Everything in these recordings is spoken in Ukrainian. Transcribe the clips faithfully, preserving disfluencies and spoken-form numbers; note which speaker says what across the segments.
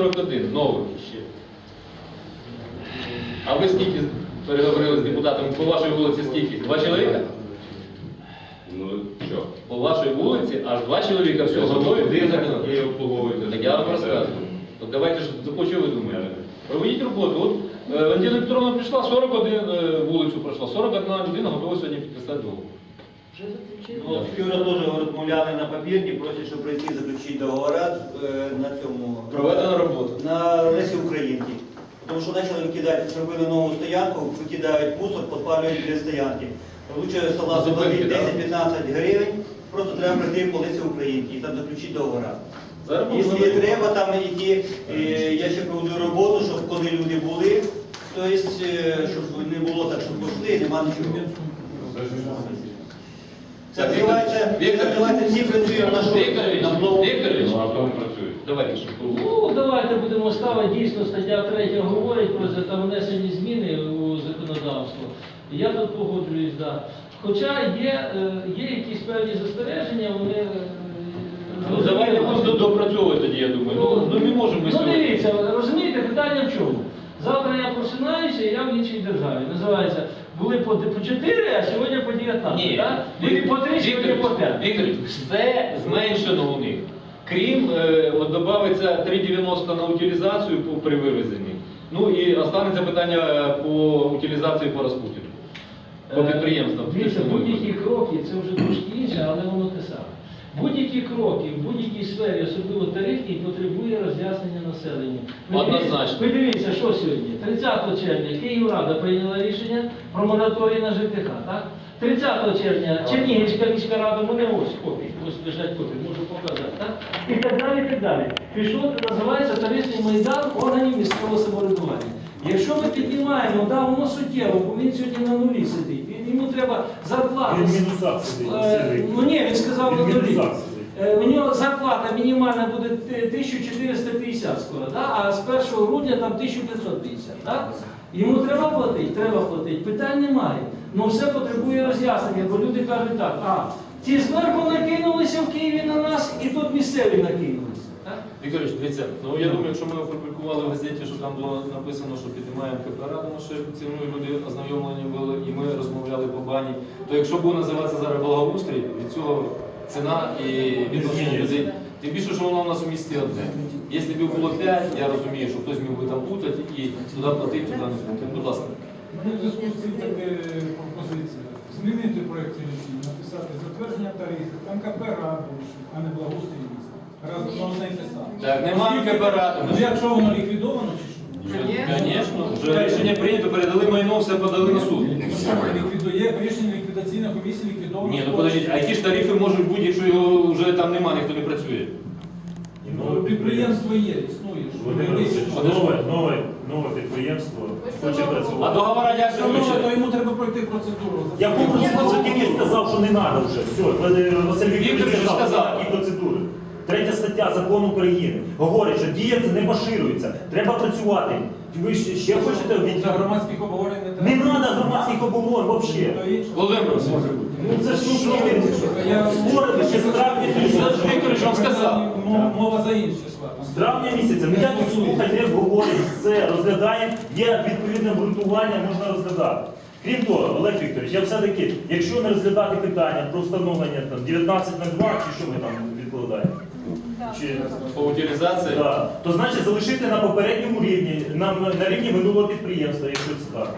Speaker 1: сорок один нових ще. А ви скільки переговорили з депутатами? По вашій вулиці скільки? Два чоловіка?
Speaker 2: Ну, що?
Speaker 1: По вашій вулиці аж два чоловіка все готові, ви
Speaker 2: І обслуговуєте.
Speaker 1: Так я вам розказую. От давайте ж, за що ви думаєте? Проведіть роботу. От е, Валентина Петровна прийшла, сорок один е, вулицю пройшла, сорок одна людина готова сьогодні підписати договор.
Speaker 3: Ну, вчора теж розмовляли на папірні, просять, щоб прийти заключити договори е, на цьому
Speaker 1: Проведена робота.
Speaker 3: на Лесі Українки. Тому що почали викидати, зробили нову стоянку, викидають мусор, підпалюють біля стоянки. Лучше салат заплатити десять-п'ятнадцять гривень, просто треба прийти по Лесі Українки і там заключити договори. Якщо треба там йти, е, я ще проведу роботу, щоб коли люди були, тобто, е, щоб не було так, щоб пішли, нема нічого. Це називається, це називається всі працюємо на що?
Speaker 1: Вікторович,
Speaker 3: На блоку.
Speaker 1: Вікторович,
Speaker 2: Ну, а хто працює?
Speaker 1: давайте ще.
Speaker 4: Ну, давайте будемо ставити, дійсно, стаття третя говорить про це, там внесені зміни у законодавство. Я тут погоджуюсь, так. Да. Хоча є, е, є якісь певні застереження, вони... е,
Speaker 1: Ну, давайте просто допрацьовувати тоді, я думаю. Ну, ну не можемо ми
Speaker 4: Ну
Speaker 1: сьогодні.
Speaker 4: дивіться, розумієте, питання в чому? Завтра я просинаюся і я в іншій державі. Називається, були по, по чотири, а сьогодні по дев'ятнадцять.
Speaker 1: Ні,
Speaker 4: Так? Були по три, сьогодні по п'ять.
Speaker 1: Вікторович, все зменшено у них. Крім, е, от додається три дев'яносто на утилізацію по, при вивезенні. Ну і останеться питання по утилізації по розпутінку. По підприємствам.
Speaker 4: Дивіться, будь-які кроки, це вже трошки інше, але воно те саме. Будь-які кроки в будь-якій сфері, особливо тарифній, потребує роз'яснення населенню.
Speaker 1: Однозначно.
Speaker 4: Ви дивіться, що сьогодні? тридцятого червня Київрада прийняла рішення про мораторій на ЖКХ, так? тридцятого червня Чернігівська міська рада, у мене ось копії, ось лежать копії, можу показати, так? І так далі, і так далі. Пішло, називається тарифний майдан органів місцевого самоврядування. Якщо ми піднімаємо, да, воно суттєво, бо він сьогодні на нулі сидить, він- йому треба зарплата.
Speaker 5: Він в мінусах сидить.
Speaker 4: Е,
Speaker 5: сидить.
Speaker 4: Ну ні, він сказав
Speaker 5: Він
Speaker 4: на
Speaker 5: в
Speaker 4: нулі.
Speaker 5: мінусах сидить.
Speaker 4: Е, У нього зарплата мінімальна буде тисяча чотириста п'ятдесят скоро, да? А з першого грудня там тисяча п'ятсот п'ятдесят. Да? Йому треба платити? Треба платити. Питань немає. Ну все потребує роз'яснення, бо люди кажуть так, а ці зверху накинулися в Києві на нас і тут місцеві накинулися. Так?
Speaker 1: Вікторович, дивіться, ну я думаю, якщо ми опублікували в газеті, що там було написано, що піднімаємо КПР, тому що ціною люди ознайомлені були і ми розмовляли по бані, то якщо буде називатися зараз благоустрій, від цього ціна і відношення людей, тим більше, що воно у нас у місті одне. Якщо б було п'ять, я розумію, що хтось міг би там плутати і туди платити, туди не платити. Будь ласка.
Speaker 6: Ну, в зв'язку з цим така пропозиція. Змінити проєкт рішення, написати затвердження тарифів, там КП раду, а не благоустрій міста. Разом одне й те саме.
Speaker 1: Так, немає КПР.
Speaker 6: Ну якщо воно ліквідовано чи що?
Speaker 1: Звісно, вже рішення прийнято, передали майно, все подали на суд.
Speaker 6: Ліквідує рішення ліквідаційної комісії ліквідовано.
Speaker 1: Ні, ну подождіть, а які ж тарифи можуть бути, якщо його вже там немає, ніхто не працює?
Speaker 6: Ну, підприємство є, існує. що
Speaker 5: Володимир
Speaker 6: ви
Speaker 5: Олексійович,
Speaker 6: десь-
Speaker 5: нове, нове, нове підприємство хоче
Speaker 1: А
Speaker 5: працювати.
Speaker 1: договора як
Speaker 6: Все одно, то
Speaker 1: заключили?
Speaker 6: йому треба пройти процедуру.
Speaker 5: Я був процедуру тільки сказав, що не треба вже. Все, Василь Вікторович
Speaker 1: Вікторович
Speaker 5: сказав,
Speaker 1: сказав.
Speaker 5: які процедури. Третя стаття Закону України говорить, що дія це не поширюється. Треба працювати. Ви ще, ще хочете
Speaker 6: За
Speaker 5: від...
Speaker 6: громадських обговорень не
Speaker 5: Не
Speaker 6: треба.
Speaker 5: треба громадських обговорень взагалі.
Speaker 6: То інше.
Speaker 1: Володимир Васильович,
Speaker 5: Ну це ж ну, створили ще з травня місяця.
Speaker 1: Вікторович вам сказав.
Speaker 6: М- Мова за інше йшла.
Speaker 5: З травня місяця ми так слухай, не обговорюємо, все, розглядаємо, є відповідне обґрунтування, можна розглядати. Крім того, Олег Вікторович, я все-таки, якщо не розглядати питання про встановлення там, дев'ятнадцять на два, чи що ми там відкладаємо? Чи,
Speaker 1: По утилізації?
Speaker 5: да, то значить залишити на попередньому рівні, на, на рівні минулого підприємства, якщо це так.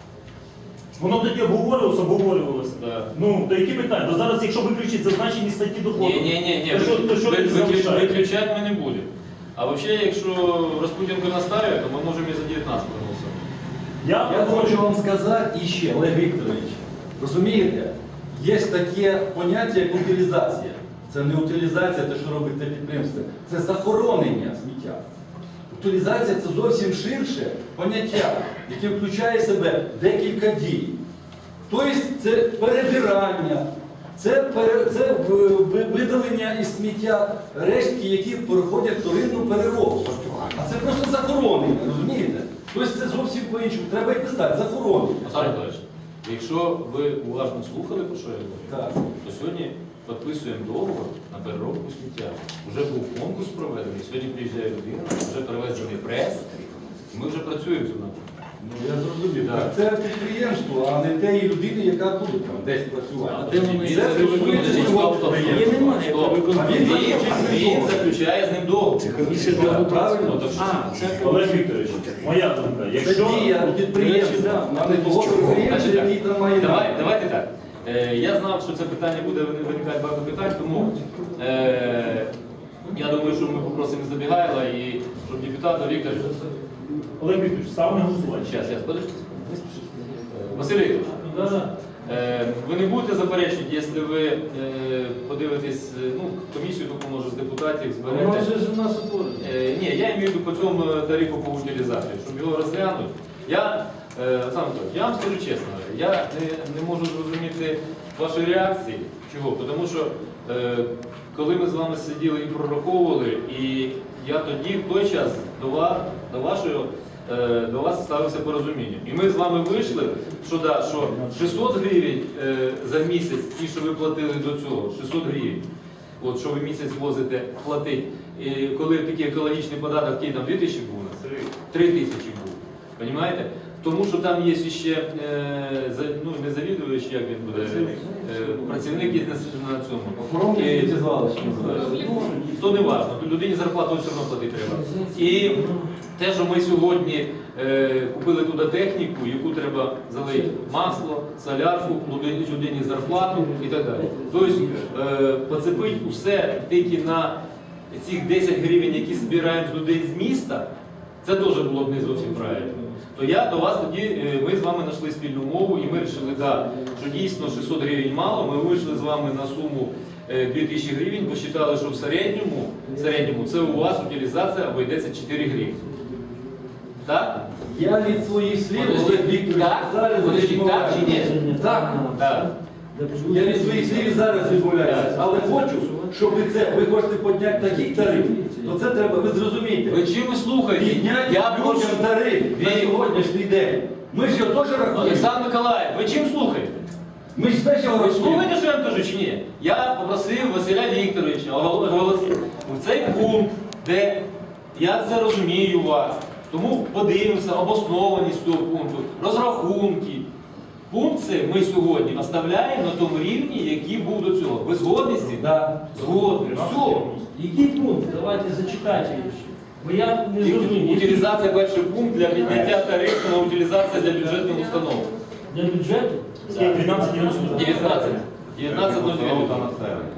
Speaker 5: Воно тоді обговорювалося, обговорювалося.
Speaker 1: Да.
Speaker 5: Ну, то які питання? То зараз, якщо виключити зазначені статті доходу,
Speaker 1: Ні, ні, ні, ні.
Speaker 5: то що, то що тоді залишається?
Speaker 1: Виключати ми не будемо. А взагалі, якщо Розпутінку наставить, то ми можемо і за дев'ятнадцять проголосувати.
Speaker 5: Я,
Speaker 7: Я хочу вам сказати іще, Олег Вікторович, розумієте, є таке поняття як утилізація. Це не утилізація, те, що робить те підприємство, це захоронення сміття. Утилізація – це зовсім ширше поняття, яке включає в себе декілька дій. Тобто це перебирання, це, пере, це видалення із сміття рештки, які проходять вторинну переробку. А це просто захоронення, розумієте? Тобто це зовсім по-іншому. Треба і писати, захоронення.
Speaker 1: Олександр Миколаївич, якщо ви уважно слухали, про що я говорю,
Speaker 7: Так.
Speaker 1: то сьогодні підписуємо договор на переробку сміття. Вже був конкурс проведений, сьогодні приїжджає людина, вже привезений прес, і ми вже працюємо з ним.
Speaker 7: Ну, я зрозумів.
Speaker 1: Так.
Speaker 7: Так. Це підприємство, а не тієї людини, яка буде там десь працювати.
Speaker 1: А де вони
Speaker 7: Це
Speaker 1: це
Speaker 7: стосується
Speaker 1: виконують?
Speaker 7: цього
Speaker 1: Стоп, стоп,
Speaker 7: підприємства.
Speaker 1: стоп,
Speaker 4: немає,
Speaker 1: стоп.
Speaker 4: як ви
Speaker 1: Він,
Speaker 7: виконуєте.
Speaker 1: він заключає з ним договор.
Speaker 7: Правильно?
Speaker 1: Ну, так що-
Speaker 4: А, це
Speaker 5: Олег Вікторович, моя думка,
Speaker 7: Це
Speaker 5: якщо
Speaker 7: дія підприємства, а не того підприємства,
Speaker 1: Значить,
Speaker 7: який там має.
Speaker 1: Давай, давайте так. Е, я знав, що це питання буде виникати багато питань, тому е, я думаю, що ми попросимо Забігайла і щоб депутата Віктор.
Speaker 5: Олег Вікторович, став на голосування.
Speaker 1: Зараз, зараз, подождіть. Не спішіть. Е, Василь Вікторович,
Speaker 4: Да-да.
Speaker 1: е, ви не будете заперечувати, якщо ви е, подивитесь, е, ну, комісію таку, може, з депутатів зберете.
Speaker 4: Воно вже ж у нас утворено.
Speaker 1: Е, Ні, я маю в виду по цьому тарифу по утилізації, щоб його розглянути. Я, е, Олександр Анатолійович, я вам скажу чесно, я не, не можу зрозуміти вашої реакції. Чого? Тому що е, коли ми з вами сиділи і прораховували, і я тоді в той час до вас, до вашого, е, до вас ставився порозуміння. І ми з вами вийшли, що, да, що шістсот гривень е, за місяць, ті, що ви платили до цього, шістсот гривень. От що ви місяць возите платить. І коли такий екологічний податок, який там дві тисячі був у нас? три тисячі був. Понімаєте? Тому що там є ще е, за, ну, не завідувач, як він буде, е, працівник є на, на цьому.
Speaker 7: Охоронник
Speaker 1: І-
Speaker 7: сміттєзвалища
Speaker 1: Е, ну, то не важливо, то людині зарплату все одно платити треба. І те, що ми сьогодні е, купили туди техніку, яку треба залити масло, солярку, людині, людині зарплату і так далі. Тобто е, поцепити усе тільки на цих десять гривень, які збираємо з людей з міста, це теж було б не зовсім правильно. То я до вас тоді, е, ми з вами знайшли спільну мову і ми вирішили, да, що дійсно шістсот гривень мало, ми вийшли з вами на суму е, дві тисячі гривень, бо вважали, що в середньому, в середньому це у вас утилізація обійдеться чотири гривні. Так?
Speaker 7: Я від своїх слів,
Speaker 1: Подожди,
Speaker 7: Олег Вікторович,
Speaker 1: так?
Speaker 7: зараз
Speaker 1: Подожди,
Speaker 7: відмовляюся.
Speaker 1: так чи ні?
Speaker 7: Так.
Speaker 1: Так.
Speaker 7: Я від своїх слів і зараз відмовляюся. Але хочу, щоб ви це, ви хочете підняти такий тариф, то це треба, ви зрозумієте.
Speaker 1: Ви чим ви слухаєте?
Speaker 7: Підняти
Speaker 1: Я прошу.
Speaker 7: людям тариф на
Speaker 1: Ви-
Speaker 7: сьогоднішній день. Ми ж його теж рахуємо.
Speaker 1: Олександр Миколаїв, ви чим слухаєте?
Speaker 7: Ми ж теж його
Speaker 1: Ви
Speaker 7: рахуємо.
Speaker 1: слухаєте, що я вам кажу, чи ні? Я попросив Василя Вікторовича оголосити в цей пункт, де я це розумію вас. Тому подивимося обоснованість цього пункту, розрахунки. Пункт цей ми сьогодні оставляємо на тому рівні, який був до цього. Ви згодні з цим?
Speaker 7: Да.
Speaker 1: Згодні. Все.
Speaker 4: Який пункт? Давайте зачитайте його. Бо я не зрозумів.
Speaker 1: Утилізація перший пункт для підняття тарифу на утилізацію для бюджетних установ.
Speaker 4: Для бюджету?
Speaker 5: дванадцять дев'яносто два.
Speaker 1: дев'ятнадцять. дев'ятнадцять нуль дев'ять.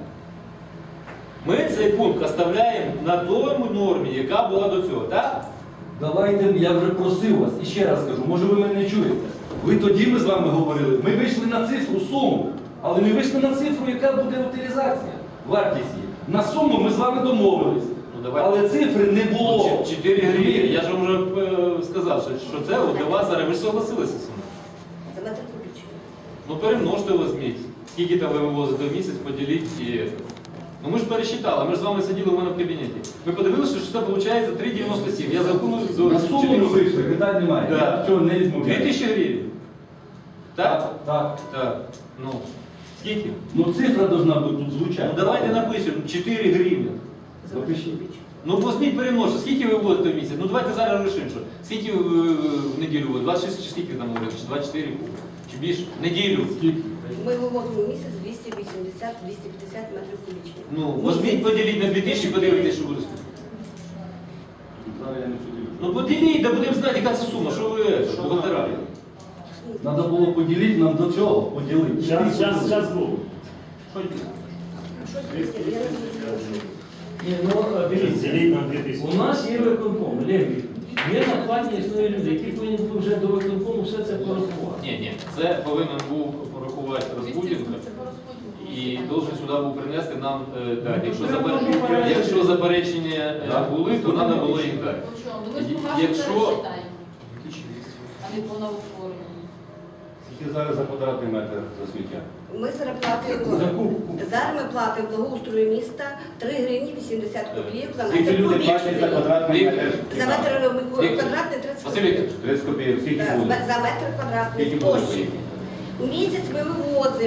Speaker 1: Ми цей пункт оставляємо на тому нормі, яка була до цього, так?
Speaker 7: Давайте, я вже просив вас, і ще раз кажу, може ви мене не чуєте. Ви тоді ми з вами говорили, ми вийшли на цифру, суму, але ми вийшли на цифру, яка буде утилізація, вартість її. На суму ми з вами домовились,
Speaker 1: Ну, давайте.
Speaker 7: але цифри не було.
Speaker 1: Ну, чотири гривні. Я ж вам вже е, сказав, що- що це от для вас зараз. Ви ж согласилися з цим.
Speaker 8: За метр кубічний.
Speaker 1: Ну перемножте возьміть. Скільки там ви вивозите в місяць, поділіть і... Ну ми ж пересчитали, ми ж з вами сиділи у мене в кабінеті. Ми подивилися, що це виходить три дев'яносто сім. Я зарахую до
Speaker 7: На суму ми
Speaker 1: чотирьох.
Speaker 7: вийшли, питань немає.
Speaker 1: Да.
Speaker 7: Я цього не
Speaker 1: Дві
Speaker 7: відмовляю.
Speaker 1: тисячі гривень. Так?
Speaker 7: Так.
Speaker 1: Так. Ну, скільки?
Speaker 7: Ну цифра должна бути тут
Speaker 1: Ну
Speaker 7: звучати.
Speaker 1: давайте напишемо чотири гривні.
Speaker 8: За метр
Speaker 7: Напишіть.
Speaker 8: кубічний.
Speaker 1: Ну возьміть перемножте, скільки ви вивозите в місяць? Ну давайте зараз рішимо, що. Скільки ви е, в неділю вивозите? двадцять шість чи скільки там говорите? Чи двадцять чотири куб? Чи більше? В неділю? Скільки?
Speaker 8: Ми вивозимо в місяць двісті вісімдесят - двісті п'ятдесят метрів кубічних.
Speaker 1: Ну, возьміть, поділіть на дві тисячі, подивитесь, що буде.
Speaker 7: Зараз я не поділю.
Speaker 1: Ну поділіть, да будемо знати, яка це сума, що ви що бухгалтера.
Speaker 7: Треба було поділити нам до цього, поділити.
Speaker 5: Час, час, час був.
Speaker 8: А що це таке? Я не зрозуміла.
Speaker 4: Ні, ну, е, дивіться.
Speaker 5: Діліть на дві тисячі.
Speaker 4: У нас є виконком, Олег Вікторович. Є на плані існує люди, які повинні були вже до виконкому все це порахувати.
Speaker 1: Ні, ні, це повинен був порахувати Розпутін і должен сюди був принести нам е, дати. Якщо, запер... Якщо заперечення е, були, то треба було їх дати. Якщо-
Speaker 9: а не по новоутворенню.
Speaker 2: Скільки зараз за квадратний метр за сміття?
Speaker 8: Ми зараз платимо, зараз ми платимо благоустрою міста три гривні вісімдесят копійок за
Speaker 2: Скільки
Speaker 8: метр
Speaker 2: люди платять за
Speaker 8: кубічний.
Speaker 2: квадратний
Speaker 1: Віктор.
Speaker 2: метр?
Speaker 8: За метр
Speaker 1: Віктор.
Speaker 8: квадратний тридцять
Speaker 1: Василь
Speaker 8: копійок.
Speaker 1: Вікторович,
Speaker 2: тридцять копійок. Скільки
Speaker 8: Так,
Speaker 2: буде?
Speaker 8: За метр квадратний
Speaker 2: Скільки буде?
Speaker 8: площі. У місяць ми вивозимо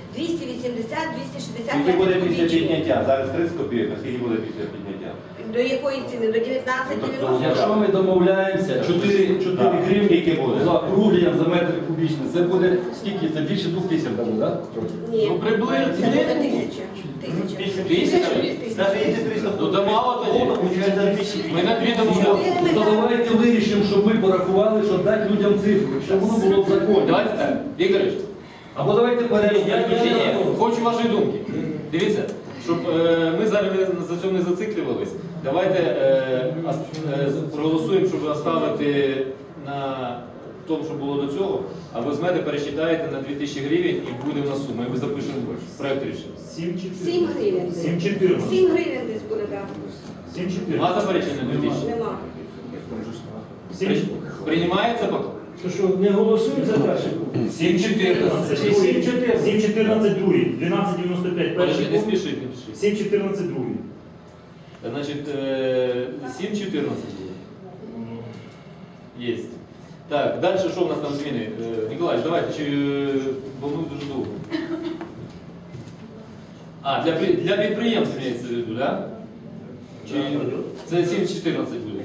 Speaker 8: двісті вісімдесят - двісті шістдесят
Speaker 2: Скільки буде
Speaker 8: метрів
Speaker 2: після
Speaker 8: кубічних.
Speaker 2: підняття? Зараз тридцять копійок, а скільки буде після підняття?
Speaker 8: До якої ціни? До дев'ятнадцять
Speaker 2: Ну,
Speaker 8: дев'яносто?
Speaker 7: Якщо ми домовляємося, чотири
Speaker 2: Так.
Speaker 7: гривні
Speaker 2: Скільки буде?
Speaker 7: за округлення за метр кубічний, це буде скільки? Це більше двох тисяч буде, так?
Speaker 8: Ні.
Speaker 1: Ну, приблизно.
Speaker 8: Це буде тисяча. Тисяча.
Speaker 1: Тисяча?
Speaker 3: Навіть якщо триста
Speaker 1: Ну, то мало тоді.
Speaker 3: получається двісті.
Speaker 1: Ми на дві домовлялися.
Speaker 7: Ну, давайте вирішимо, щоб ми порахували, щоб дати людям цифру, щоб воно було в законі.
Speaker 1: Давайте так. Вікторович,
Speaker 7: Або давайте перейдемо.
Speaker 1: я, ні, ні, хочу вашої думки. Дивіться, щоб е, ми зараз не- за цьому не зациклювались, давайте е, ас- е, проголосуємо, щоб оставити на тому, що було до цього, а ви візьмете, пересчитаєте на дві тисячі гривень і буде в нас сума. І ми запишемо проєкт рішення.
Speaker 5: сім
Speaker 8: Сім гривень.
Speaker 5: Сім чотирнадцять.
Speaker 8: Сім гривень десь буде, так.
Speaker 5: Сім
Speaker 1: Нема
Speaker 5: чотирнадцять.
Speaker 1: заперечення на дві тисячі?
Speaker 8: Нема.
Speaker 5: Сім-
Speaker 1: Приймається поки?
Speaker 4: То що, не голосують за перший пункт?
Speaker 5: Сім чотирнадцять.
Speaker 4: Чи сім чотирнадцять?
Speaker 5: Сім чотирнадцять другий. дванадцять дев'яносто п'ять перший
Speaker 1: Подожди, не
Speaker 5: пункт.
Speaker 1: спішіть, не спішіть.
Speaker 5: Сім чотирнадцять другий.
Speaker 1: Значить, е, сім чотирнадцять буде. Єсть. Так, далі що в нас там зміни? Е, Ніколаєш, давайте, чи, е, бо ми дуже довго. А, для, при- для підприємств мається в виду, так? Чи це сім чотирнадцять буде?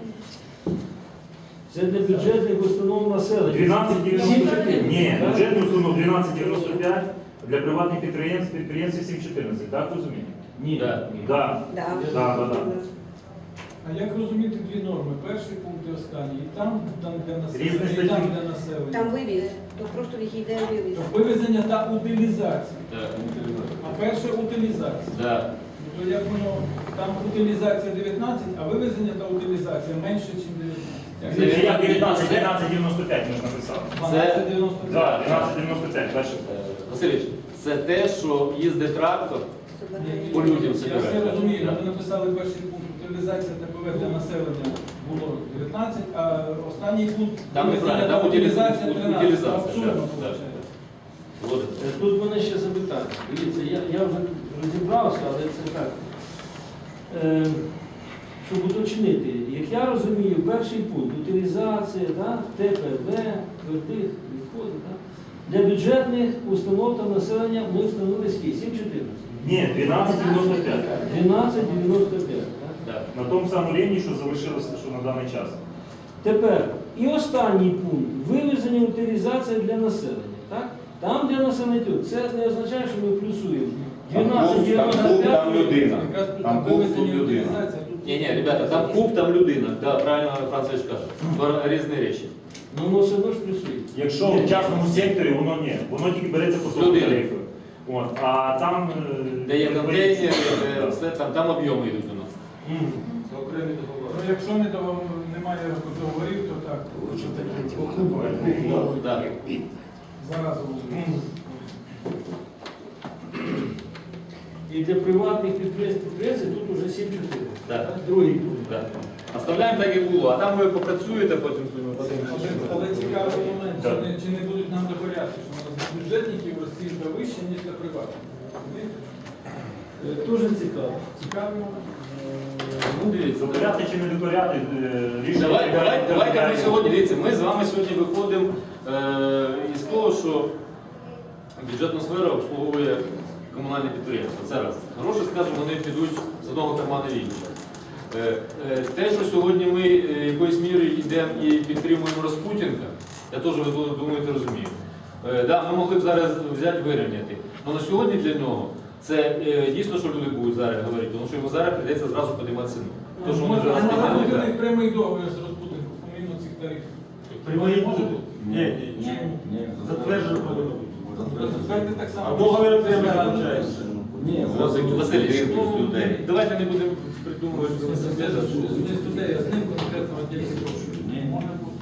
Speaker 4: Це для бюджетних установ населення.
Speaker 5: дванадцять дев'яносто п'ять.
Speaker 4: Сім
Speaker 5: Ні,
Speaker 4: так?
Speaker 5: бюджетний установ дванадцять дев'яносто п'ять, для приватних підприємств підприємців сім чотирнадцять. Так розумієте?
Speaker 4: Ні.
Speaker 1: Да.
Speaker 5: Так.
Speaker 8: Да.
Speaker 5: Да, да, да.
Speaker 6: А як розуміти дві норми? Перший пункт і останній. І там, там для
Speaker 5: Різні
Speaker 6: населення, і
Speaker 5: статті.
Speaker 6: там для населення.
Speaker 8: Там вивіз, то просто їх йде вивіз.
Speaker 6: Тобто вивезення та утилізація.
Speaker 1: Так.
Speaker 6: А перше утилізація.
Speaker 1: Да.
Speaker 6: Ну, то як воно, там утилізація дев'ятнадцять, а вивезення та утилізація менше, ніж дев'ятнадцять.
Speaker 5: Це як дев'ятнадцять, дванадцять дев'яносто п'ять можна писати.
Speaker 6: дванадцять дев'яносто
Speaker 5: Так,
Speaker 6: п'ять.
Speaker 5: дванадцять дев'яносто п'ять. Дальше.
Speaker 1: Е, Васильович, це те, що їздить трактор, по людям
Speaker 6: Я все
Speaker 1: собирає.
Speaker 6: розумію, ми написали перший пункт утилізація Т П В для населення було дев'ятнадцять, а останній пункт
Speaker 1: Там
Speaker 6: вивезення
Speaker 1: неправильно,
Speaker 6: та
Speaker 1: там
Speaker 6: утилізація
Speaker 1: утилізація,
Speaker 6: тринадцять.
Speaker 1: утилізація,
Speaker 6: Абсурдно
Speaker 1: так, так.
Speaker 6: виходить.
Speaker 1: Згоден.
Speaker 4: Е, Тут мене ще запитання. Дивіться, я, я вже розібрався, але це так. Е, щоб уточнити, як я розумію, перший пункт утилізація, да, Т П В, твердих відходів. Да, для бюджетних установ та населення ми встановили скільки? сім чотирнадцять.
Speaker 5: Ні, дванадцять дев'яносто п'ять.
Speaker 4: дванадцять дев'яносто п'ять. Так?
Speaker 1: Так.
Speaker 5: На тому самому рівні, що залишилося, що на даний час.
Speaker 4: Тепер, і останній пункт вивезення утилізація для населення. Так? Там для населення, тут. Це не означає, що ми плюсуємо.
Speaker 2: Там
Speaker 4: дванадцять
Speaker 2: куб, там
Speaker 4: дев'яносто
Speaker 2: куб,
Speaker 4: п'ять.
Speaker 2: там людина.
Speaker 6: Якраз тут
Speaker 2: Там
Speaker 6: там
Speaker 2: куб, тут
Speaker 6: вивезення і
Speaker 2: людина.
Speaker 6: утилізація. тут-
Speaker 1: Ні, ні, ребята, там куб, там людина. Да, правильно Францович каже. Два різні речі.
Speaker 4: Ну, воно все одно ж плюсує.
Speaker 5: Якщо в частному секторі, воно ні. Воно тільки береться по своєму
Speaker 1: Людина.
Speaker 5: тарифу. От. А там... е,
Speaker 1: Де є контейнери, де
Speaker 5: Так.
Speaker 1: все, там, там об'єми йдуть у нас.
Speaker 4: Мгм.
Speaker 1: Це окремі договори.
Speaker 6: Ну, якщо не до- немає договорів, то так.
Speaker 1: Так.
Speaker 6: Зараз
Speaker 4: Мгм. І для приватних підприємств підприємців тут уже сім чотири.
Speaker 1: Так.
Speaker 4: Другий пункт.
Speaker 1: Так. Оставляємо так, як було, а там ви попрацюєте потім. потім.
Speaker 6: Але цікавий момент, чи
Speaker 5: Так.
Speaker 6: не, чи не будуть нам докоряти, що у нас для бюджетників розцінка вища, ніж для приватних. Розумієте?
Speaker 4: Е, Дуже цікаво.
Speaker 6: Цікавий момент.
Speaker 1: Ну, дивіться.
Speaker 5: Докоряти чи не докоряти, е, рішення...
Speaker 1: Давай, давай,
Speaker 5: приймають
Speaker 1: давайте ми
Speaker 5: територіальні.
Speaker 1: сьогодні, дивіться, ми з вами сьогодні виходимо е, із того, що бюджетна сфера обслуговує комунальне підприємство. Це раз. Гроші, скажімо, вони підуть з одного кармана в інший. Е, е, Те, що сьогодні ми е, якоюсь мірою йдемо і підтримуємо Распутінка, я теж, ви думаєте, розумію. Е, Да, ми могли б зараз взяти вирівняти. Але на сьогодні для нього це е, дійсно, що люди будуть зараз говорити, тому що йому зараз прийдеться зразу підіймати ціну. То, що вони вже
Speaker 6: Може,
Speaker 1: раз
Speaker 6: а може бути у
Speaker 1: підняли.
Speaker 6: них прямий договір з розпутинком, помимо цих тарифів.
Speaker 7: Прямий
Speaker 6: Може
Speaker 7: договір?
Speaker 6: бути?
Speaker 7: Ні, ні, ні. Затверджено повинно бути.
Speaker 6: Затвердити так само.
Speaker 7: А договір це не виходить. Ні,
Speaker 1: Василь, ну,
Speaker 2: людей.
Speaker 1: давайте не будемо придумувати.
Speaker 6: Не з людей, а з ним конкретно відділити гроші. Може бути.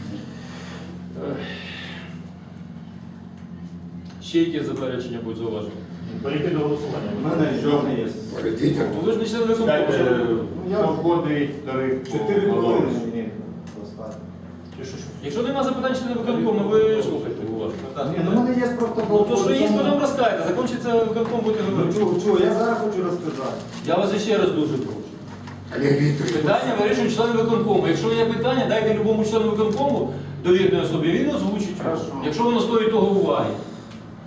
Speaker 1: Ще які заперечення будуть зауважені?
Speaker 5: Перейти до голосування.
Speaker 2: У мене жодне є.
Speaker 1: Ну, ви ж не член виконкому.
Speaker 2: Дайте,
Speaker 1: що-
Speaker 2: що входить тариф.
Speaker 10: Чотири
Speaker 2: по
Speaker 10: хвилини
Speaker 2: Маловичу?
Speaker 10: мені поставити.
Speaker 1: Якщо немає запитань члена виконкому, ви слухайте уважно.
Speaker 10: Ні, ну в мене є просто
Speaker 1: Ну то що є,
Speaker 10: цьому-
Speaker 1: потім розкажете, закінчиться виконком, будете
Speaker 10: Ну,
Speaker 1: говорити.
Speaker 10: чого, чого, я зараз хочу розказати.
Speaker 1: Я вас ще раз дуже прошу. Питання вирішують члени виконкому. Якщо є питання, дайте любому члену виконкому довірної особі, він озвучить.
Speaker 10: Хорошо.
Speaker 1: Якщо воно стоїть того уваги.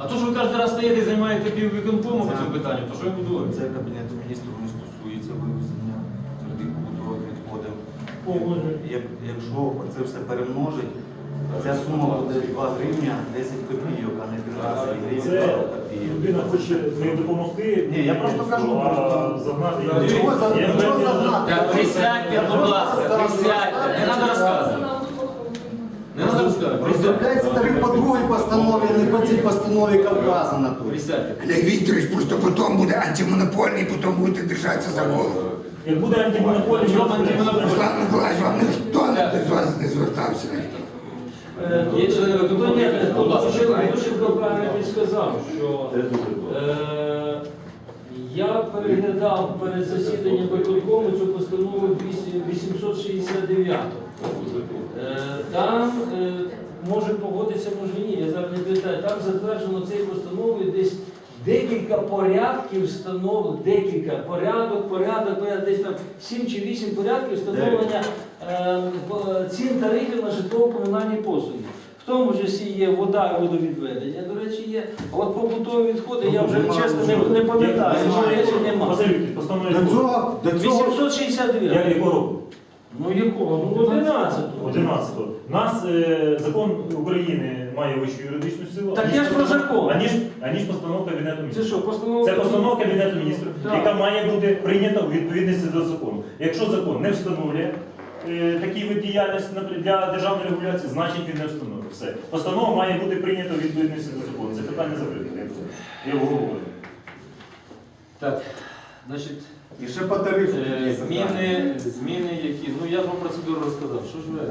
Speaker 1: А то, що ви кожен раз стаєте і займаєте піввиконкому по цьому питанню, то що я буду говорити?
Speaker 2: Це Кабінету міністрів не стосується вивезення твердих побутових відходів.
Speaker 4: О, може.
Speaker 2: Як- Якщо це все перемножить, ця сума буде два гривня десять копійок, а не п'ятнадцять гривень
Speaker 5: Це
Speaker 2: двадцять копійок.
Speaker 5: людина хоче не допомогти.
Speaker 2: Ні, я просто кажу,
Speaker 5: а
Speaker 2: просто-
Speaker 5: загнати
Speaker 10: Чого
Speaker 5: її.
Speaker 10: за-
Speaker 5: Я
Speaker 10: чого
Speaker 5: впевнений,
Speaker 10: загнати?
Speaker 1: Так, присядьте, будь ласка, присядьте, не треба розказувати. Не треба розказувати, присядьте.
Speaker 10: Розробляється тариф по другій постанові, а не по цій постанові, яка вказана тут.
Speaker 1: Присядьте.
Speaker 11: Олег Вікторович просто потім буде антимонопольний, потім будете держатися за голову.
Speaker 5: Як буде антимонопольний,
Speaker 1: Чому антимонопольний?
Speaker 11: Руслан Миколаївич, вам ніхто не з вас не звертався.
Speaker 4: Е,
Speaker 1: Є
Speaker 4: тут-
Speaker 1: члени
Speaker 4: тут
Speaker 1: виконкому,
Speaker 4: ні,
Speaker 1: будь
Speaker 4: тут
Speaker 1: ласка.
Speaker 4: дуже- Дуже правильно він сказав, що
Speaker 2: Це дуже добре.
Speaker 4: е, я переглядав перед засіданням виконкому цю постанову вісімсот шістдесят дев'ять. Е, Там е, може погодитися, може ні, я зараз не пам'ятаю, там затверджено цією постановою десь декілька порядків встановлено, декілька порядок, порядок, порядок, десь там сім чи вісім порядків встановлення е, по- цін тарифів на житлово-комунальні послуги. В тому числі є вода і водовідведення, до речі, є. А от побутові відходи, я вже чесно не, не пам'ятаю, що є чи нема.
Speaker 5: Василь, постановлення
Speaker 10: До цього, до цього
Speaker 4: вісімсот шістдесят
Speaker 5: Я
Speaker 4: дев'ять.
Speaker 5: якого року?
Speaker 4: Ну якого? Ну одинадцятого.
Speaker 5: одинадцятого. Нас е, закон України має вищу юридичну силу.
Speaker 4: Так
Speaker 5: аніж
Speaker 4: я ж про
Speaker 5: постанов-
Speaker 4: закон.
Speaker 5: Аніж, аніж постанова Кабінету
Speaker 4: Це
Speaker 5: міністрів.
Speaker 4: що, постанова?
Speaker 5: Це постанова Кабінету міністрів,
Speaker 4: Так.
Speaker 5: яка має бути прийнята у відповідності до закону. Якщо закон не встановлює е, такий вид діяльності наприклад, для державної регуляції, значить він не встановлює. Все. Постанова має бути прийнята у відповідності до закону. Це питання закрите. Я обговорюю.
Speaker 1: Так, значить,
Speaker 10: і ще по тарифу.
Speaker 1: е,
Speaker 10: є
Speaker 1: зміни, зміни, які, ну я ж вам процедуру розказав, що ж ви?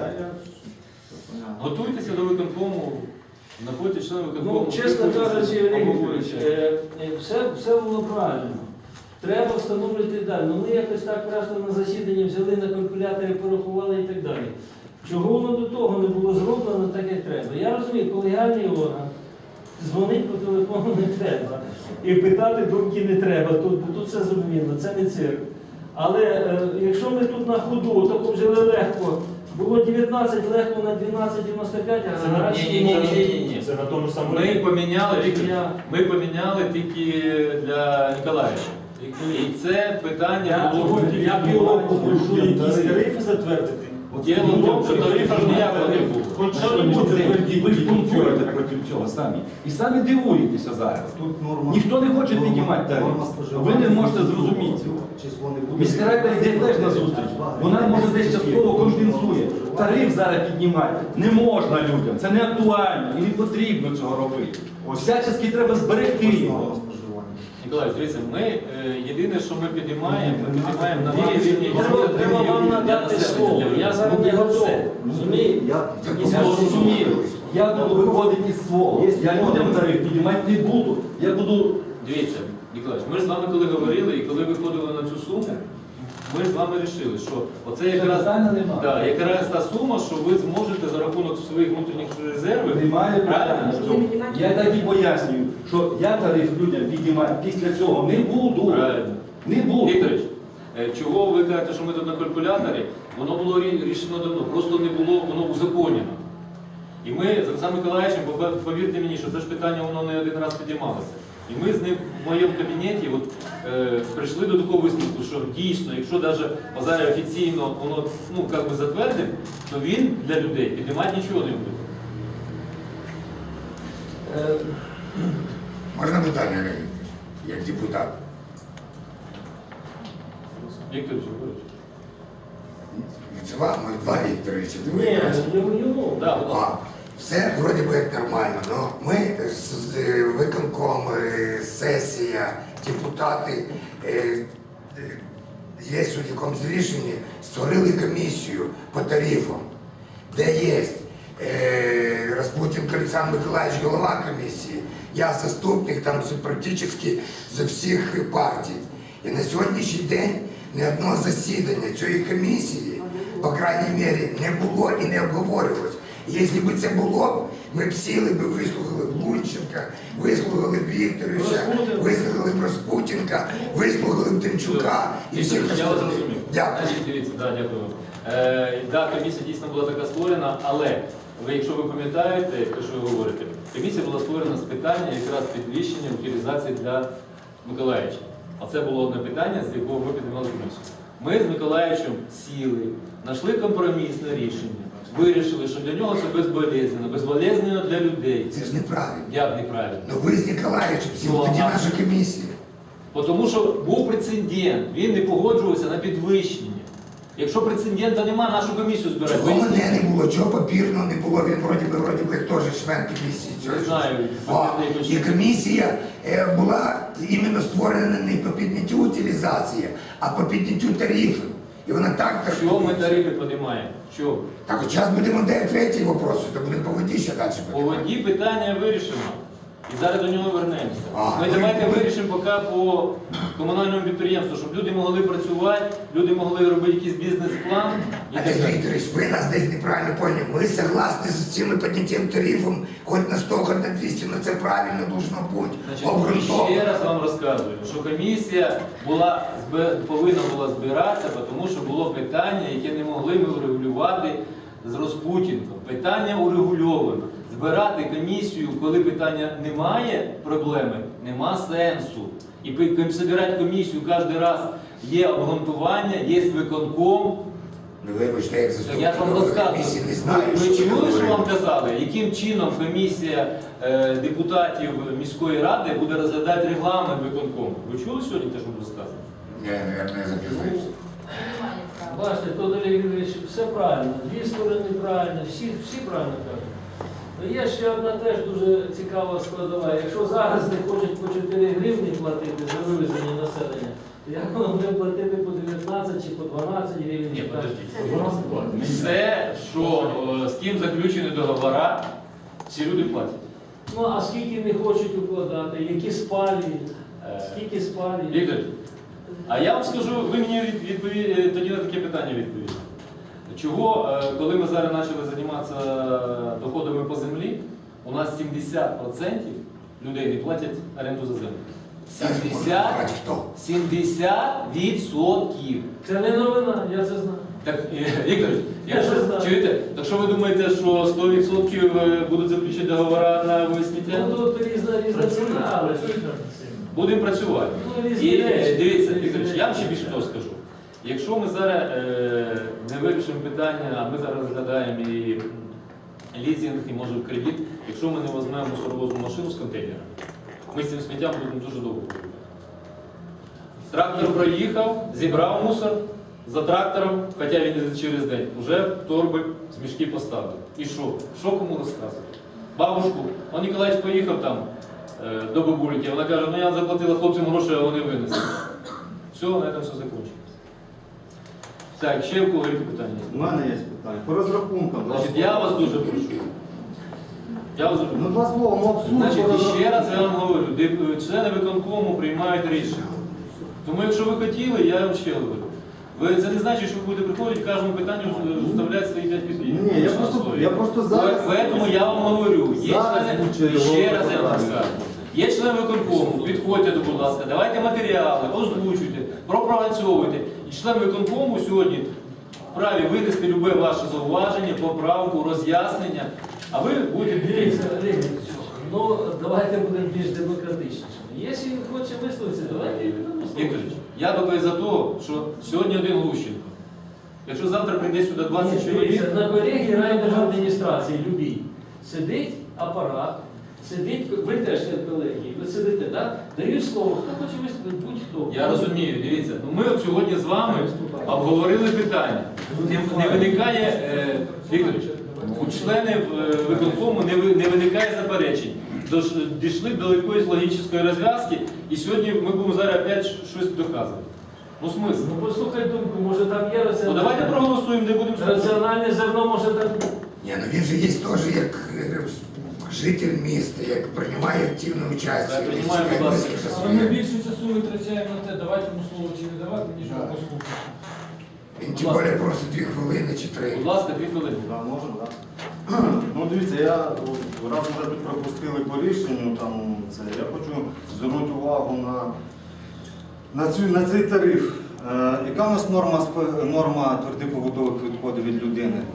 Speaker 1: Готуйтеся до виконкому, знаходьте члени виконкому.
Speaker 4: Ну, чесно кажучи, Олег Вікторович,
Speaker 1: обговорюйте.
Speaker 4: е, е, все, все було правильно. Треба встановлювати далі. Ну ми якось так просто на засіданні взяли на калькуляторі, порахували і так далі. Чого воно до того не було зроблено так, як треба? Я розумію, колегіальний орган, дзвонить по телефону не треба. І питати думки не треба. Тут, бо тут все зрозуміло, це не цирк. Але е, якщо ми тут на ходу, таку взяли легко, було дев'ятнадцять легко на дванадцять дев'яносто п'ять, а
Speaker 5: Це на-
Speaker 4: зараз
Speaker 1: ні, ні, ні, ні, ні, ні.
Speaker 5: Це на тому ж самому
Speaker 1: Ми
Speaker 5: рівні.
Speaker 1: поміняли, Віктор,
Speaker 4: Я-
Speaker 1: ми поміняли тільки для Ніколаєвича. І це питання було
Speaker 4: Я півроку прошу якісь тарифи затвердити.
Speaker 1: Діло в тому, що тарифів ніякого не було.
Speaker 7: Ви ж бунтуєте проти цього самі. І самі дивуєтеся зараз.
Speaker 10: Тут норма.
Speaker 7: Ніхто не хоче
Speaker 10: норма-
Speaker 7: піднімати тариф.
Speaker 10: норма споживання.
Speaker 7: Ви не можете зрозуміти цього.
Speaker 10: Число не буде.
Speaker 7: Міська рада йде теж на зустріч. Вона може десь частково компенсує. Тариф зараз піднімати не можна людям. Це не актуально і не потрібно цього робити. Всячески треба зберегти його.
Speaker 1: Ніколай, дивіться, ми е, єдине, що ми підіймаємо, ми підіймаємо на два рівні.
Speaker 4: Треба, треба вам надати слово. Я зараз не готовий. Розумієте?
Speaker 10: Я,
Speaker 7: Я ж розумію. Я буду виходити із свого. Я людям тариф піднімати не буду. Я буду.
Speaker 1: Дивіться, Ніколай, ми ж з вами коли говорили і коли виходили на цю суму, ми ж з вами вирішили, що оце якраз,
Speaker 7: Питання немає.
Speaker 1: да, якраз та сума, що ви зможете за рахунок своїх внутрішніх резервів.
Speaker 7: Немає
Speaker 1: Правильно?
Speaker 7: питання. Я так і пояснюю, що я тариф людям піднімати після цього не буду.
Speaker 1: Правильно.
Speaker 7: Не буду.
Speaker 1: Вікторович, е, чого ви кажете, що ми тут на калькуляторі? Воно було рі- рішено давно, просто не було воно узаконено. І ми з Олександром Миколаївичем, пов- повірте мені, що це ж питання воно не один раз підіймалося. І ми з ним в моєму кабінеті от, е, прийшли до такого висновку, що дійсно, якщо навіть Базаря офіційно воно ну, як би затвердив, то він для людей піднімати нічого не буде.
Speaker 4: Е,
Speaker 11: Можна питання, Олег Вікторович, як депутат?
Speaker 1: Віктор Жукович.
Speaker 11: Це вам, ми два Вікторовича.
Speaker 4: Ні, йому, йому.
Speaker 1: Да, будь ласка.
Speaker 11: А, все вроде би як нормально, но ми з, з е, виконком, е, сесія, депутати, е, е, є у якомусь рішенні, створили комісію по тарифам, де є е, Распутінко Олександр Миколаївич, голова комісії, я заступник там з- практично з всіх партій. І на сьогоднішній день ні одного засідання цієї комісії, по крайній мірі, не було і не обговорювалось. Якщо б це було б, ми б сіли б, вислухали б Лунченка, вислухали б Вікторовича, вислухали б Распутінка, вислухали б Тимчука і всіх
Speaker 1: Віктор, я вас
Speaker 11: остальних.
Speaker 1: зрозумів.
Speaker 11: Дякую.
Speaker 1: Значить, дивіться, да, дякую. Е, да, комісія дійсно була така створена, але ви, якщо ви пам'ятаєте, те, що ви говорите, комісія була створена з питання якраз підвищення утилізації для Миколаївича. А це було одне питання, з якого ми піднімали комісію. Ми з Миколаївичем сіли, знайшли компромісне рішення, вирішили, що для нього це безболезненно, безболезненно для людей.
Speaker 11: Це ж неправильно.
Speaker 1: Як неправильно?
Speaker 11: Ну ви з Ніколаєвичем сіли,
Speaker 1: Ну,
Speaker 11: тоді
Speaker 1: а-
Speaker 11: наша комісія.
Speaker 1: Тому що був прецедент, він не погоджувався на підвищення. Якщо прецедента немає, нашу комісію збирати.
Speaker 11: Чого мене не було, чого папірного не було, він вроді би, вроді би теж член комісії.
Speaker 1: Не знаю.
Speaker 11: О, і комісія е, була іменно створена не по підняттю утилізації, а по підняттю тарифів. І вона так так.
Speaker 1: Що ми тарифи піднімаємо? Що?
Speaker 11: Так, от зараз будемо де третій вопрос, то будемо по воді ще далі
Speaker 1: По воді питання вирішено. І зараз до нього вернемося.
Speaker 11: А,
Speaker 1: Ми
Speaker 11: ну,
Speaker 1: давайте
Speaker 11: ви-
Speaker 1: вирішимо поки по комунальному підприємству, щоб люди могли працювати, люди могли робити якийсь бізнес-план. і так
Speaker 11: Олег
Speaker 1: далі.
Speaker 11: Вікторович, ви нас десь неправильно поняли. Ми согласні з цим підняттям тарифом, хоч на сто, хоч на двісті, але це правильно должно бути.
Speaker 1: Значить, ще
Speaker 11: Обґрунтовано.
Speaker 1: раз вам розказую, що комісія була, збе- повинна була збиратися, тому що було питання, яке не могли ми врегулювати з Розпутінком. Питання урегульовано. Збирати комісію, коли питання немає проблеми, нема сенсу. І пи- ком- збирати комісію кожен раз є обґрунтування, є виконком.
Speaker 11: Ну вибачте, як
Speaker 1: Так я ж вам
Speaker 11: заступник комісії не
Speaker 1: розказую.
Speaker 11: знаю,
Speaker 1: Ви
Speaker 11: що
Speaker 1: чули, що
Speaker 11: говорити.
Speaker 1: вам казали, яким чином комісія е, депутатів міської ради буде розглядати регламент виконкому? Ви чули сьогодні те, що вам розказано?
Speaker 11: Ні, мабуть, не запізнився.
Speaker 9: Немає права.
Speaker 4: Бачите, тут Олег Юрійович, все правильно, дві сторони правильно, всі, всі правильно кажуть. Ну, є ще одна теж дуже цікава складова. Якщо зараз не хочуть по чотири гривні платити за вивезення населення, то як воно буде платити по дев'ятнадцять чи по дванадцять гривень?
Speaker 1: Ні,
Speaker 8: Це
Speaker 1: подождіть. Все, що е, з ким заключені договори, всі люди платять.
Speaker 4: Ну а скільки не хочуть укладати, які спалюють,
Speaker 1: Е,
Speaker 4: скільки спалюють?
Speaker 1: Віктор, а я вам скажу, ви мені від- відпові- тоді на таке питання відповіли. Чого, е, коли ми зараз почали займатися доходами по землі, у нас сімдесят відсотків людей не платять оренду за землю. сімдесят
Speaker 11: Бачите, хто?
Speaker 1: сімдесят відсотків.
Speaker 4: Це не новина, я це знаю.
Speaker 1: Так, е, Віктор,
Speaker 4: Я
Speaker 1: якщо,
Speaker 4: вже знаю.
Speaker 1: чуєте, так що ви думаєте, що сто відсотків будуть заключити договори на висміття?
Speaker 4: Ну тут різна різна ціна, але
Speaker 1: Будемо працювати.
Speaker 4: Ну, різні
Speaker 1: І
Speaker 4: речі.
Speaker 1: е, дивіться,
Speaker 4: Різні
Speaker 1: Вікторович, я вам ще
Speaker 4: речі.
Speaker 1: більше того скажу. Якщо ми зараз е, не вирішимо питання, а ми зараз розглядаємо і лізинг, і може в кредит, якщо ми не візьмемо мусоровозну машину з контейнера, ми з цим сміттям будемо дуже довго воювати. Трактор проїхав, зібрав мусор за трактором, хоча він не через день, вже торби з мішки поставив. І що? Що кому розказувати? Бабушку, он Ніколаївич поїхав там е, до бабульки, вона каже, ну я заплатила хлопцям гроші, а вони винесли. Все, на цьому все закінчилось. Так, ще в кого які питання?
Speaker 2: У мене є питання. По розрахункам. два
Speaker 1: Значить,
Speaker 2: слова.
Speaker 1: я вас дуже прошу. Я вас дуже
Speaker 2: Ну,
Speaker 1: прошу.
Speaker 2: два слова, ну абсурд.
Speaker 1: Значить,
Speaker 2: по
Speaker 1: і ще раз
Speaker 2: розрахункам.
Speaker 1: я вам говорю, деп- члени виконкому приймають рішення. Тому якщо ви хотіли, я вам ще говорю. Ви, це не значить, що ви будете приходити, кожному питанню вставляти свої п'ять копійок.
Speaker 2: Ні, я просто, я просто зараз...
Speaker 1: Поэтому я вам говорю, є
Speaker 2: Зараз
Speaker 1: члени,
Speaker 2: звучить
Speaker 1: і ще
Speaker 2: його
Speaker 1: раз я вам
Speaker 2: питання.
Speaker 1: скажу. Є члени виконкому, підходьте, будь ласка, давайте матеріали, озвучуйте, пропрацьовуйте. І член виконкому сьогодні вправі винести любе ваше зауваження, поправку, роз'яснення, а ви будете
Speaker 4: Дивіться,
Speaker 1: дивитися.
Speaker 4: Олег, ну давайте будемо більш демократичнішими. Якщо він хоче висловитися, давайте і будемо
Speaker 1: Вікторович, я тільки за те, що сьогодні один Глущенко. Якщо завтра прийде сюди двадцять чоловік,
Speaker 4: Дивіться, на берегі райдержадміністрації любій сидить апарат, сидить, ви теж колеги, ви сидите, да? Дають слово, хто хоче виступити, будь-хто.
Speaker 1: я розумію, дивіться, ну ми от сьогодні з вами обговорили питання. Не, не виникає, е, Вікторович, у членів е, виконкому не, ви- не виникає заперечень. Дош- Дійшли до якоїсь логічної розв'язки, і сьогодні ми будемо зараз опять щось доказувати. Ну смисл.
Speaker 4: Ну послухай думку, може там є
Speaker 1: Ну
Speaker 4: раціональне,
Speaker 1: давайте проголосуємо, не будемо слухати.
Speaker 4: раціональне зерно, може там.
Speaker 11: Ні, ну він же є теж як е, житель міста, як приймає активну участь.
Speaker 1: Так, приймаю, будь
Speaker 11: Як
Speaker 1: ласка.
Speaker 11: висловився
Speaker 6: Але ми
Speaker 11: своє.
Speaker 6: більше часу витрачаємо на те, давати йому слово чи не давати, ніж його послухати.
Speaker 11: Він тим більше просить дві хвилини чи три.
Speaker 1: Будь ласка, дві хвилини.
Speaker 2: Да, можна, так. Ну дивіться, я от, раз вже тут пропустили по рішенню, там, це, я хочу звернути увагу на, на, цю, на цей тариф. Е, яка у нас норма, сп- норма твердих побутових відходів від людини?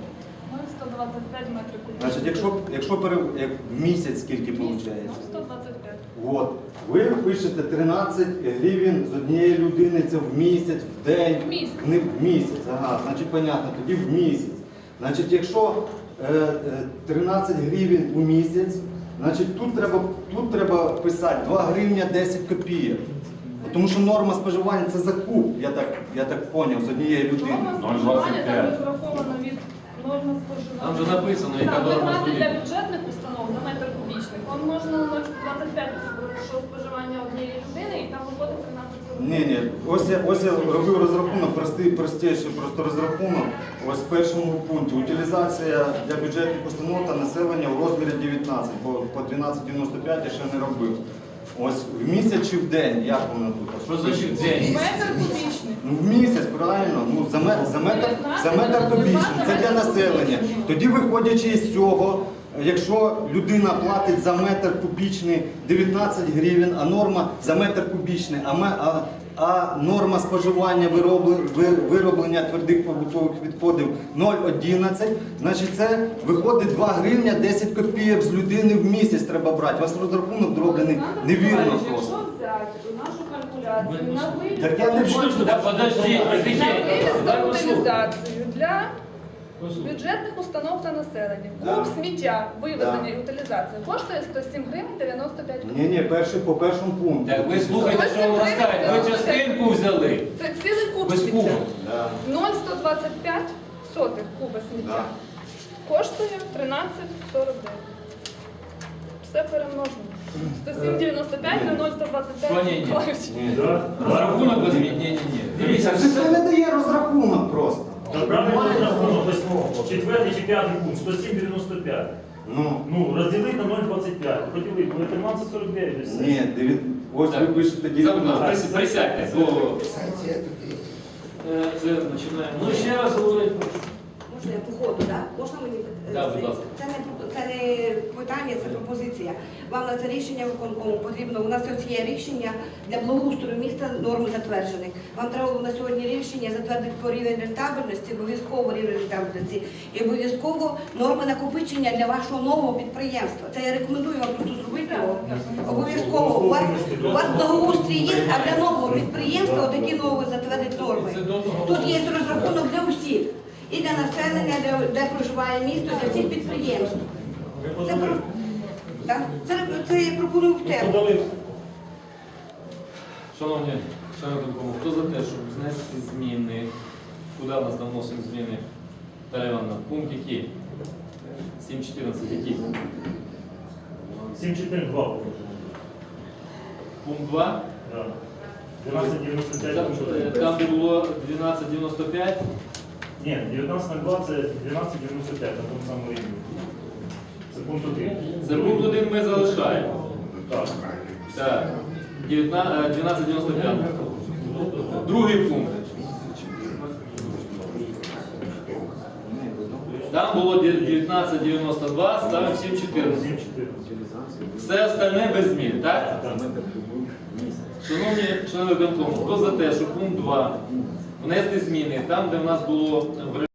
Speaker 9: Ну, сто двадцять п'ять метрів кубічних.
Speaker 2: Значить, якщо, якщо пере... як в місяць скільки виходить?
Speaker 9: Ну, сто двадцять п'ять.
Speaker 2: От. Ви пишете тринадцять гривень з однієї людини, це в місяць, в день.
Speaker 9: В місяць.
Speaker 2: Не в місяць, ага, значить, понятно, тоді в місяць. Значить, якщо е, е, тринадцять гривень у місяць, значить тут треба, тут треба писати два гривні десять копійок. Тому що норма споживання це закуп, я так, я так поняв, з однієї людини.
Speaker 9: Норма споживання там розрахована від норми споживання.
Speaker 1: Там же написано, яка
Speaker 9: Так,
Speaker 1: норма
Speaker 9: витрати для
Speaker 1: споживання.
Speaker 9: бюджетних установ за метр кубічний. Вам можна на нуль двадцять п'ять, що споживання однієї людини, і там виходить тринадцять сорок.
Speaker 2: Ні, ні, ось я, ось я робив розрахунок, простий, простіший просто розрахунок. Ось в першому пункті утилізація для бюджетних установ та населення у розмірі дев'ятнадцять, бо по дванадцять дев'яносто п'ять я ще не робив. Ось в місяць чи в день, як воно тут?
Speaker 1: Що значить день?
Speaker 9: Метр кубічний.
Speaker 2: Ну в місяць, правильно, ну за, ме- за метр, за метр кубічний, це для населення. Тоді виходячи із цього, якщо людина платить за метр кубічний дев'ятнадцять гривень, а норма за метр кубічний, а, ме- а, а норма споживання виробли- ви- вироблення твердих побутових відходів нуль одинадцять, значить це виходить два гривня десять копійок з людини в місяць треба брати. У вас розрахунок зроблений невірно просто.
Speaker 9: Якщо взяти нашу калькуляцію на вивіз,
Speaker 2: Так я не буду.
Speaker 1: Да подожди,
Speaker 9: на
Speaker 1: тихенько.
Speaker 9: вивіз
Speaker 1: Дай
Speaker 9: та
Speaker 1: послухай.
Speaker 9: утилізацію для
Speaker 1: Послухай.
Speaker 9: бюджетних установ та населення.
Speaker 2: Да.
Speaker 9: Куб сміття, вивезення
Speaker 2: Да.
Speaker 9: і утилізація коштує сто сім гривень дев'яносто п'ять
Speaker 2: Ні,
Speaker 9: копійок.
Speaker 2: ні, перший по першому пункту.
Speaker 1: Так ви слухайте, що вам розказують. Ви частинку взяли.
Speaker 9: Це цілий куб
Speaker 1: Без кубу.
Speaker 9: сміття.
Speaker 2: Да.
Speaker 9: нуль сто двадцять п'ять сотих куба сміття.
Speaker 2: Да.
Speaker 9: Коштує тринадцять сорок дев'ять. Все перемножено. сто сім дев'яносто п'ять на нуль сто двадцять
Speaker 1: Що ні, ні?
Speaker 9: п'ять. Миколаївич.
Speaker 5: Да?
Speaker 1: Розрахунок візьміть. Ні, ні, ні. Дивіться,
Speaker 2: Це не дає розрахунок просто.
Speaker 5: Та правильно розрахунок, ось четвертий чи п'ятий пункт, сто сім дев'яносто п'ять.
Speaker 2: Ну,
Speaker 5: Ну, розділити на нуль двадцять п'ять. Поділити, буде тринадцять сорок дев'ять. і все.
Speaker 2: ні, дев'ят- ось ви пишете
Speaker 1: Забудь,
Speaker 2: дев'ятнадцять.
Speaker 1: присядьте, бо
Speaker 11: Санкція тут є.
Speaker 1: е, це починаємо.
Speaker 4: Ну ще раз говорить.
Speaker 8: Можна я по ходу, так? Можна мені? е,
Speaker 1: Да, будь
Speaker 8: це-
Speaker 1: ласка.
Speaker 8: Це не, про- це не питання, це пропозиція. Вам на це рішення виконкому потрібно. У нас ось є рішення для благоустрою міста, норми затверджених. Вам треба було на сьогодні рішення затвердити по рівень рентабельності, обов'язково рівень рентабельності і обов'язково норми накопичення для вашого нового підприємства. Це я рекомендую вам просто зробити його. Обов'язково. У вас, у вас благоустрій є, а для нового підприємства отакі нові затвердити норми. Тут є розрахунок для усіх. І для населення, де, де проживає місто, для всіх підприємств. Це, про- так? це, це я пропоную в тему.
Speaker 1: Шановні, шановні виконкому, хто за те, щоб знести зміни? Куди в нас там вносимо зміни? Наталя Івановна, пункт який? сім чотирнадцять який?
Speaker 5: сім чотири два.
Speaker 1: Пункт два.
Speaker 5: Да. дванадцять дев'яносто п'ять.
Speaker 1: Там, е, там, де було дванадцять дев'яносто п'ять.
Speaker 5: Ні, дев'ятнадцять два це дванадцять дев'яносто п'ять на тому самому рівні. Це пункт один.
Speaker 1: Це пункт один ми залишаємо.
Speaker 5: Так.
Speaker 1: Так. дванадцять дев'яносто п'ять. Другий пункт. Там було дев'ятнадцять дев'яносто два, ставимо сім чотирнадцять.
Speaker 5: сім чотирнадцять.
Speaker 1: Все остальне без змін, так? Шановні члени виконкому, хто за те, що пункт два внести зміни там, де в нас було в